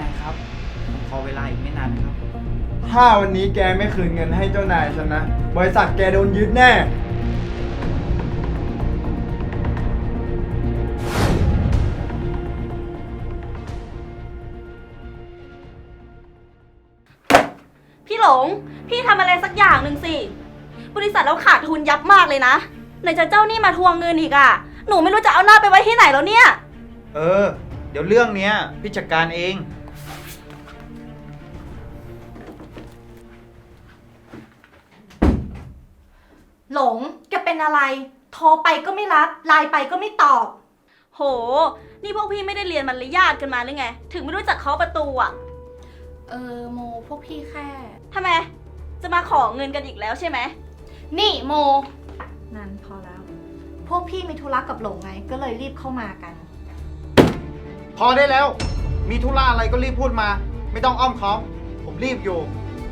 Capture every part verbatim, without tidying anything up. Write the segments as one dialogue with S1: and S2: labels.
S1: ายครับผมขอเวลาอีกไม่นานนะครับ
S2: ถ้าวันนี้แกไม่คืนเงินให้เจ้านายฉันนะบริษัทแกโดนยึดแน่
S3: พี่หลงพี่ทำอะไรสักอย่างหนึ่งสิบริษัทเราขาดทุนยับมากเลยนะไหนจะเจ้าหนี้มาทวงเงินอีกอ่ะหนูไม่รู้จะเอาหน้าไปไว้ที่ไหนแล้วเนี่ย
S1: เออเดี๋ยวเรื่องเนี้ยพี่จัดการเอง
S3: หลงแกเป็นอะไรโทรไปก็ไม่รับไลน์ไปก็ไม่ตอบโหนี่พวกพี่ไม่ได้เรียนมารยาทกันมาหรือไงถึงไม่รู้จักเคาะประตูอ่ะ
S4: เออโมพวกพี่แค่
S3: ทำไมจะมาขอเงินกันอีกแล้วใช่ไหม
S4: นี่โม
S3: นั่นพอแล้วพวกพี่มีธุระกับหลงไงก็เลยรีบเข้ามากัน
S1: พอได้แล้วมีธุระอะไรก็รีบพูดมาไม่ต้องอ้อมค้อมผมรีบอยู่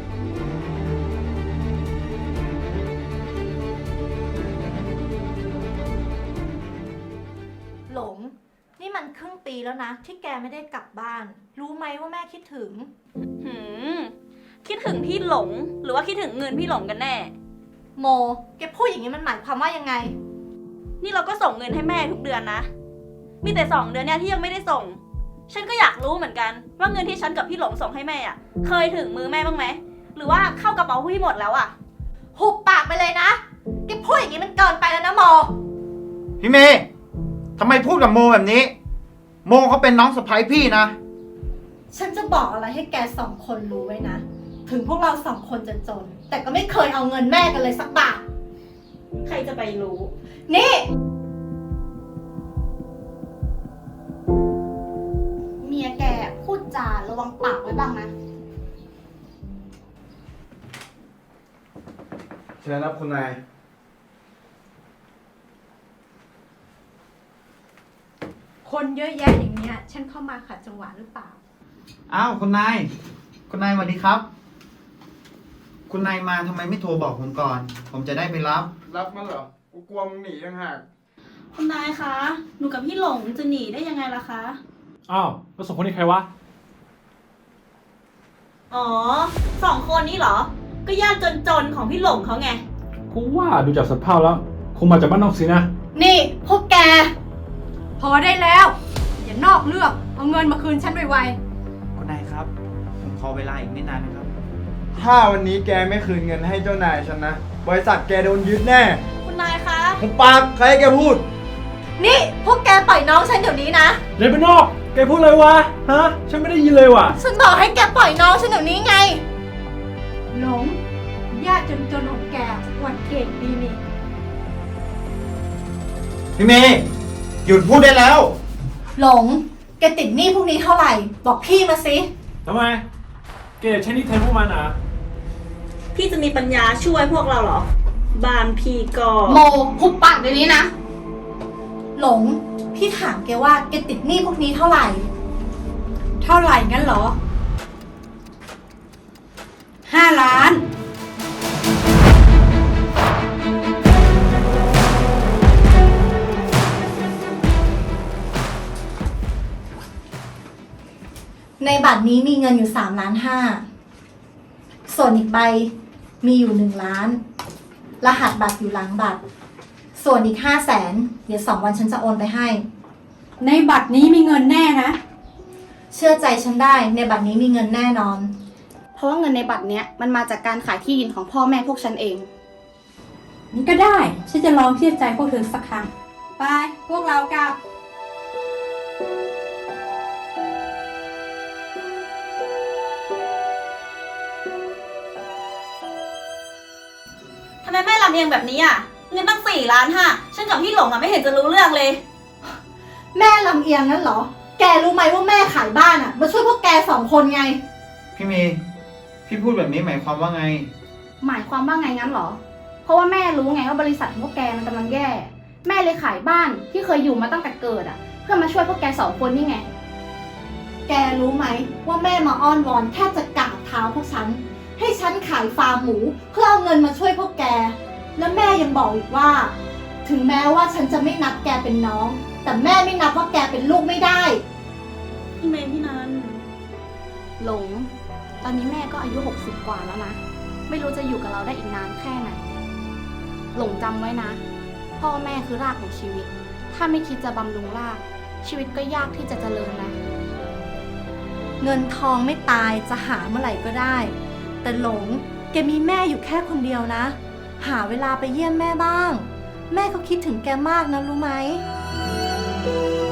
S3: หลงนี่มันครึ่งปีแล้วนะที่แกไม่ได้กลับบ้านรู้ไหมว่าแม่คิดถึงหืมคิดถึงพี่หลงหรือว่าคิดถึงเงินพี่หลงกันแน่โมแกพูดอย่างนี้มันหมายความว่ายังไงนี่เราก็ส่งเงินให้แม่ทุกเดือนนะมีแต่สองเดือนเนี่ยที่ยังไม่ได้ส่งฉันก็อยากรู้เหมือนกันว่าเงินที่ฉันกับพี่หลงส่งให้แม่อ่ะเคยถึงมือแม่บ้างไหมหรือว่าเข้ากระเป๋าพี่หมดแล้วอ่ะหุบปากไปเลยนะแกพูดอย่างนี้มันเกินไปแล้วนะโม
S1: พี่เมย์ทำไมพูดกับโมแบบนี้โมเขาเป็นน้องสะใภ้พี่นะ
S3: ฉันจะบอกอะไรให้แกสองคนรู้ไว้นะถึงพวกเราสองคนจะจนแต่ก็ไม่เคยเอาเงินแม่กันเลยสักบาทใครจะไปรู้นี่
S4: เมียแกพูดจาระวังปากไว้บ้างนะ
S2: เชิญครับคุณนาย
S5: คนเยอะแยะอย่างเนี้ยฉันเข้ามาขัดจังหวะหรือเปล่า
S1: อ้าวคุณนายคุณนายสวัสดีครับคุณนายมาทำไมไม่โทรบอกผมก่อนผมจะได้ไปรับ
S2: รับมันเหรอกูกลัวมึงหนีต่างหาก
S3: คุณนายคะหนูกับพี่หลงจะหนีได้ยังไงล่ะคะ
S6: อ้าวแล้วสองคนนี้ใครวะ
S3: อ๋อสองคนนี้เหรอก็ญาติจนๆของพี่หลงเขาไง
S6: กูว่าดูจากสภาพแล้วคงมาจากบ้านนอกสินะ
S3: นี่พวกแก
S5: พอได้แล้วอย่านอกเรื่องเอาเงินมาคืนฉันไว
S1: ๆคุณนายครับผมขอเวลาอีกไม่นานนะครับ
S2: ถ้าวันนี้แกไม่คืนเงินให้เจ้านายฉันนะบริษัทแกโดนยึดแน่
S3: คุณนายคะ
S2: ผมปากใครแกพูด
S3: นี่พวกแกปล่อยน้องฉันเดี๋ยวนี้นะ
S6: เดินไปนอกแกพูดอะไรวะฮะฉันไม่ได้ยินเลยว่ะ
S3: ฉันบอกให้แกปล่อยน้องฉันเดี๋ยวนี้ไง
S5: หลงญาติจนๆของแกวันเก่งดีนี่
S1: พี่เมย์หยุดพูดได้แล้ว
S3: หลงแกติดหนี้พวกนี้เท่าไหร่บอกพี่มาสิ
S6: ทำไมแกใช้หนี้แทนพวกมันอ่ะ
S3: พี่จะมีปัญญาช่วยพวกเราเหรอบานพี่ก็
S4: โมหุบปากเดี๋ยวนี้นะ
S3: หลงพี่ถามแกว่าแกติดหนี้พวกนี้เท่าไหร่
S5: เท่าไหร่งั้นเหรอห้าล้าน
S3: ในบัตรนี้มีเงินอยู่สามล้านห้าส่วนอีกใบมีอยู่หนึ่งล้านรหัสบัตรอยู่หลังบัตรส่วนอีกห้าแสนเดี๋ยวสองวันฉันจะโอนไปให้
S5: ในบัตรนี้มีเงินแน่นะ
S3: เชื่อใจฉันได้ในบัตรนี้มีเงินแน่นอน
S4: เพราะว่าเงินในบัตรเนี้ยมันมาจากการขายที่ดินของพ่อแม่พวกฉันเอง
S5: นี่ก็ได้ฉันจะลองเชื่อใจพวกเธอสักครั้งไปพวกเรากลับ
S3: ทำไมแม่ลำเอียงแบบนี้อ่ะเงินตั้งสี่ล้านห้าฉันกับพี่หลงอ่ะไม่เห็นจะรู้เรื่องเลยแม่ลำเอียงนั่นเหรอแกรู้ไหมว่าแม่ขายบ้านอ่ะมาช่วยพวกแกสองคนไง
S1: พี่เมย์พี่พูดแบบนี้หมายความว่าไง
S4: หมายความว่าไงงั้นเหรอเพราะว่าแม่รู้ไงว่าบริษัทของพวกแกมันกำลังแย่แม่เลยขายบ้านที่เคยอยู่มาตั้งแต่เกิดอ่ะเพื่อมาช่วยพวกแกสองคนนี่ไง
S3: แกรู้ไหมว่าแม่มาอ้อนวอนแทบจะกราบเท้าพวกฉันให้ฉันขายฟาร์มหมูเพื่อเอาเงินมาช่วยพวกแกและแม่ยังบอกอีกว่าถึงแม้ว่าฉันจะไม่นับแกเป็นน้องแต่แม่ไม่นับว่าแกเป็นลูกไม่ได้พี่เมย์พี่นัน
S4: หลง ตอนนี้แม่ก็อายุหกสิบกว่าแล้วนะ ไม่รู้จะอยู่กับเราได้อีกนานแค่ไหน หลงจำไว้นะ พ่อแม่คือรากของชีวิต ถ้าไม่คิดจะบำรุงราก ชีวิตก็ยากที่จะเจริญนะ
S3: เงินทองไม่ตายจะหาเมื่อไหร่ก็ได้ แต่หลงแกมีแม่อยู่แค่คนเดียวนะ หาเวลาไปเยี่ยมแม่บ้าง แม่เขาคิดถึงแกมากนะรู้ไหม